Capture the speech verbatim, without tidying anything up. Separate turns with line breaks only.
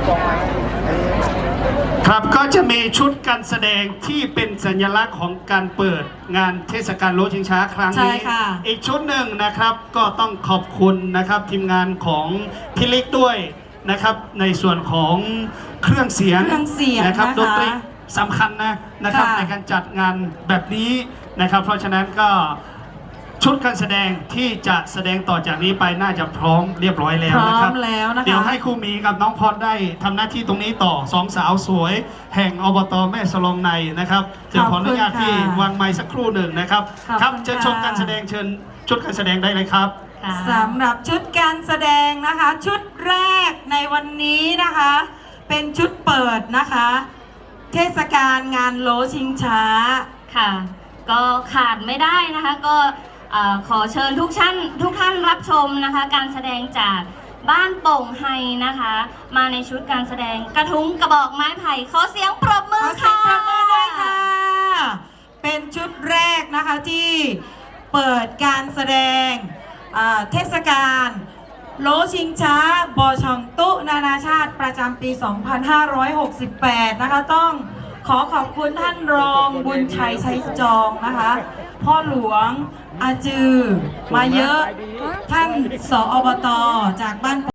ครับก็จะมีชุดการแสดงที่เป็นสัญลักษณ์ของการเปิดงานเทศกาลรถชิงช้าครั้งนี้อีกชุดหนึ่งนะครับก็ต้องขอบคุณนะครับทีมงานของพี่ลิกด้วยนะครับในส่วนของเครื่องเสียงนะครับดนตรีสำคัญนะนะครับในการจัดงานแบบนี้นะครับเพราะฉะนั้นก็ชุดการแสดงที่จะแสดงต่อจากนี้ไปน่าจะพร้อมเรียบร้อยแล้วนะครับเดี๋ยวให้ครูมีกับน้องพรได้ทำหน้าที่ตรงนี้ต่อสองสาวสวยแห่งอบต.แม่สลองในนะครับจะขออนุญาตที่วางไม้สักครู่หนึ่งนะครับครับจะชมการแสดงเชิญชุดการแสดงได้เลยครับ
สำหรับชุดการแสดงนะคะชุดแรกในวันนี้นะคะเป็นชุดเปิดนะคะเทศกาลงานโลชิงช้า
ค่ะก็ขาดไม่ได้นะคะก็ขอเชิญทุกท่านทุกท่านรับชมนะคะการแสดงจากบ้านโป่งไฮนะคะมาในชุดการแสดงกระทุ้งกระบอกไม้ไผ่ขอเสียงปรบมือค่ะ
ปรบมือด้วยค่ะเป็นชุดแรกนะคะที่เปิดการแสดงเทศกาลโลชิงช้าบอชองตุนานาชาติประจำปี สองพันห้าร้อยหกสิบแปด นะคะต้องขอขอบคุณท่านรองบุญชัยชัยจองนะคะพ่อหลวงอาจือมาเยอะท่านสอบตจากบ้าน